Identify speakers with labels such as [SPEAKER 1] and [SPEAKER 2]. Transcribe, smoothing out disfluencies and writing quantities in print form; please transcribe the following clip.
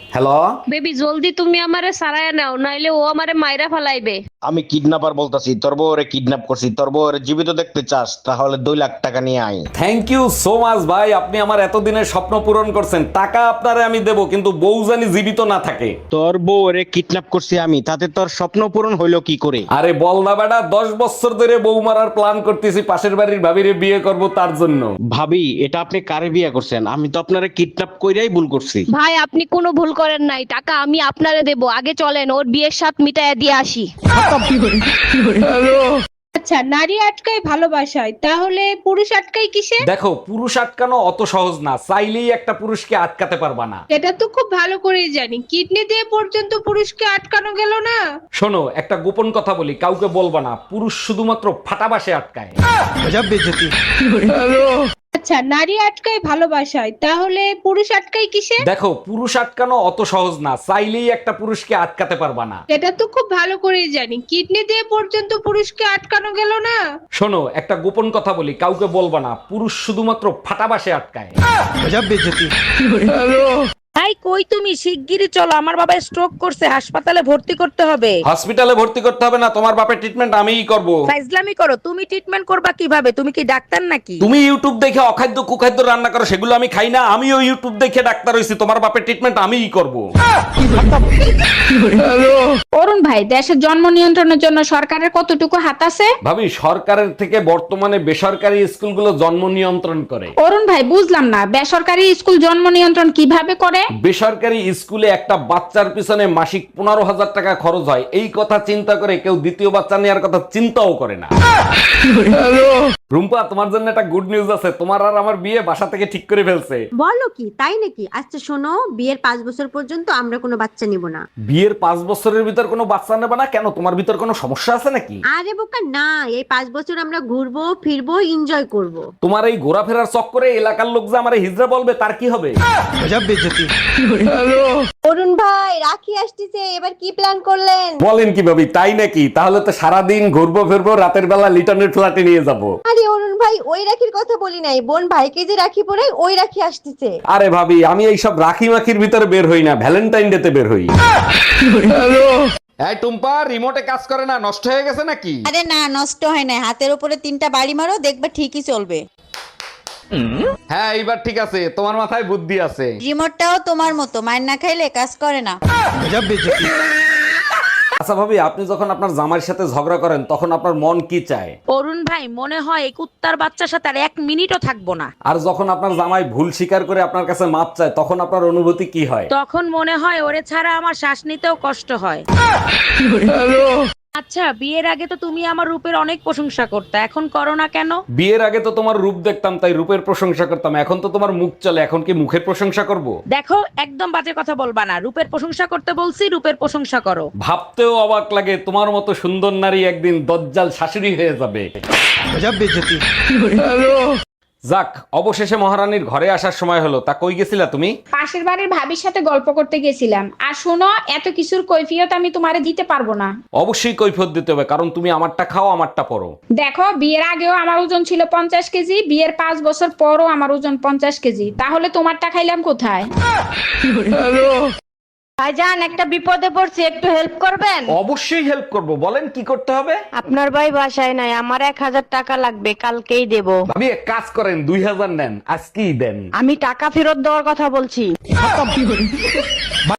[SPEAKER 1] Hello.
[SPEAKER 2] Baby জলদি তুমি আমারে সারায় নাও, নাইলে ও আমারে মাইরা ফালাইবে।
[SPEAKER 1] আমি কিডন্যাপার বলতাছি, তোর বউরে কিডন্যাপ করছি। তোর বউরে জীবিত দেখতে চাস তাহলে 2 লাখ টাকা নিয়ে আয়।
[SPEAKER 3] থ্যাংক ইউ সো মাচ ভাই, আপনি আমার এতদিনের স্বপ্ন পূরণ করছেন। টাকা আপনারে আমি দেব, কিন্তু বউ জানি জীবিত না থাকে।
[SPEAKER 1] তোর বউরে কিডন্যাপ করছি আমি, তাতে তোর স্বপ্ন পূরণ হইলো কি করে?
[SPEAKER 3] আরে বল না বেটা, 10 বছর ধরে বউ মারার প্ল্যান করতেছি, পাশের বাড়ির ভাবিরে বিয়ে করব তার জন্য।
[SPEAKER 1] ভাবি, এটা আপনি কারে বিয়ে করছেন? আমি তো আপনারে কিডন্যাপ কইরাই ভুল করছি।
[SPEAKER 2] ভাই আপনি কোনো ভুল করেন নাই, টাকা আমি আপনারে দেব। আগে চলেন ওর বিয়ের সাথ মিটায় দিয়ে আসি।
[SPEAKER 4] আচ্ছা, নারী আটকায় ভালোবাসায়, তাহলে পুরুষ আটকায় কিসে?
[SPEAKER 3] দেখো, পুরুষ আটকানো অত সহজ না, চাইলেই একটা পুরুষকে আটকাতে পারবা না।
[SPEAKER 4] এটা তো খুব ভালো করেই জানি, কিডনি দিয়ে পর্যন্ত পুরুষকে আটকানো গেল না।
[SPEAKER 3] শোনো, একটা গোপন কথা বলি, কাউকে বলবা না। পুরুষ শুধুমাত্র ফাটাবাসে আটকায়।
[SPEAKER 4] আচ্ছা, নারী আটকায় ভালোবাসায়, তাহলে পুরুষ আটকায় কিসে?
[SPEAKER 3] দেখো, পুরুষ আটকানো অত সহজ না, চাইলেই একটা পুরুষকে আটকাতে পারবা না।
[SPEAKER 4] এটা তো খুব ভালো করেই জানি, কিডনি দিয়ে পর্যন্ত পুরুষকে আটকানো গেল না।
[SPEAKER 3] শোনো, একটা গোপন কথা বলি, কাউকে বলবা না। পুরুষ শুধুমাত্র ফাটাবাসে আটকায়।
[SPEAKER 5] ভাই কই তুমি? শিগগিরই চলো, আমার বাবা স্ট্রোক করছে, হাসপাতালে ভর্তি করতে হবে।
[SPEAKER 3] হসপিটালে ভর্তি করতে হবে না, তোমার বাপের ট্রিটমেন্ট আমিই করব।
[SPEAKER 5] ফাইজলামি করো, তুমি ট্রিটমেন্ট করবা কিভাবে? তুমি কি ডাক্তার নাকি?
[SPEAKER 3] তুমি ইউটিউব দেখে অখাদ্য কুখাদ্য রান্না করো, সেগুলো আমি খাই না। আমিও ইউটিউব দেখে ডাক্তার হইছি, তোমার বাপের ট্রিটমেন্ট আমিই করব।
[SPEAKER 6] অরুণ ভাই, দেশের জন্ম নিয়ন্ত্রণের জন্য সরকারের কতটুকু হাত আছে?
[SPEAKER 3] ভাবি, সরকারের থেকে বর্তমানে বেসরকারি স্কুলগুলো জন্ম নিয়ন্ত্রণ করে।
[SPEAKER 6] অরুণ ভাই, বুঝলাম না, বেসরকারি স্কুল জন্ম নিয়ন্ত্রণ কিভাবে করে?
[SPEAKER 3] বেসরকারি স্কুলে একটা বাচ্চার পিছনে মাসিক 15,000 টাকা খরচ হয়, এই কথা চিন্তা করে কেউ দ্বিতীয় বাচ্চা নেওয়ার কথা চিন্তাও করে না। রুম্পা, তোমার জন্য একটা গুড নিউজ আছে। তোমার আর আমার বিয়ে বাসা থেকে ঠিক করে ফেলছে।
[SPEAKER 7] বলো কি, তাই নাকি? আচ্ছা শোনো, বিয়ের 5 বছর পর্যন্ত আমরা কোনো বাচ্চা নিব না।
[SPEAKER 3] বিয়ের 5 বছরের ভিতর কোনো বাচ্চা নেবে না কেন? তোমার ভিতর কোনো সমস্যা আছে নাকি?
[SPEAKER 7] আরে বোকা না, এই 5 বছর আমরা ঘুরবো ফিরবো এনজয় করব।
[SPEAKER 3] তোমার এই ঘোরাফেরার চক্করে এলাকার লোক যে আমার হিজড়া বলবে, তার কি হবে?
[SPEAKER 7] অরুণ ভাই, রাখি আসতেছে, এবার কি প্ল্যান করলেন?
[SPEAKER 3] বলেন কি ভাবি, তাই নাকি? তাহলে তো সারাদিন ঘুরবো ফিরবো, রাতের বেলা লিটনের ফ্ল্যাটে নিয়ে যাব।
[SPEAKER 7] আরে অরুণ ভাই, ওই রাখির কথা বলি নাই, বোন ভাইকে যে রাখি পরাই ওই রাখি আসতেছে।
[SPEAKER 3] আরে ভাবি, আমি এইসব রাখি মাখির ভিতরে বের হই না, ভ্যালেন্টাইন ডে তে বের হই। এই টুম্পা, রিমোটে কাজ করে না, নষ্ট হয়ে গেছে নাকি?
[SPEAKER 8] আরে না, নষ্ট হয় না। হাতের উপরে 3টা বাড়ি মারো, দেখবে ঠিকই চলবে।
[SPEAKER 3] হ্যাঁ, এইবার ঠিক আছে, তোমার মাথায় বুদ্ধি আছে।
[SPEAKER 8] রিমোটটাও তোমার মতো, মায়ের না খাইলে কাজ করে না।
[SPEAKER 3] আচ্ছা ভাবি, আপনি যখন আপনার জামাইয়ের সাথে ঝগড়া করেন, তখন আপনার মন কি চায়?
[SPEAKER 5] অরুণ ভাই, মনে হয় এই কুত্তার বাচ্চার সাথে আর 1 মিনিটও থাকবো না।
[SPEAKER 3] আর যখন আপনার জামাই ভুল স্বীকার করে আপনার কাছে মাপ চায়, তখন আপনার অনুভূতি কি হয়?
[SPEAKER 5] তখন মনে হয় ওরে ছাড়া আমার শ্বাস নিতেও কষ্ট হয়। আচ্ছা, বিয়ের আগে তো তুমি আমার রূপের অনেক প্রশংসা করতে, এখন করো না কেন?
[SPEAKER 3] বিয়ের আগে তো তোমার রূপ দেখতাম, তাই রূপের প্রশংসা করতাম। এখন তো তোমার মুখ চলে, এখন কি মুখের প্রশংসা করব?
[SPEAKER 5] দেখো, একদম বাজে কথা বলবা না। রূপের প্রশংসা করতে বলছি, রূপের প্রশংসা করো।
[SPEAKER 3] ভাবতেও অবাক লাগে, তোমার মতো সুন্দর নারী একদিন দজ্জাল শাশুড়ি হয়ে যাবে। যাক, অবশেষে মহারানীর ঘরে আসার সময় হলো। তা কই গেছিলা তুমি?
[SPEAKER 6] পাশের বাড়ির ভাবির সাথে গল্প করতে গেছিলাম। আর শোনো, এত কিছুর কৈফিয়ত আমি তোমারে দিতে পারবো না।
[SPEAKER 3] অবশ্যই কৈফিয়ত দিতে হবে, কারণ তুমি আমারটা খাও, আমারটা পরো।
[SPEAKER 6] দেখো, বিয়ের আগেও আমার ওজন ছিল 50 কেজি, বিয়ের 5 বছর পরও আমার ওজন 50 কেজি। তাহলে তোমারটা খাইলাম কোথায়?
[SPEAKER 7] ভাইজান, একটা বিপদে পড়ছি, একটু হেল্প করবেন?
[SPEAKER 3] অবশ্যই হেল্প করব, বলেন কি করতে হবে।
[SPEAKER 7] আপনার ভাই বাসায় নাই, আমার 1000 টাকা লাগবে, কালকেই দেব।
[SPEAKER 3] ভাবি, এক কাজ করেন, 2000 নেন, আজকেই দেন।
[SPEAKER 7] আমি টাকা ফেরত দেওয়ার কথা বলছি।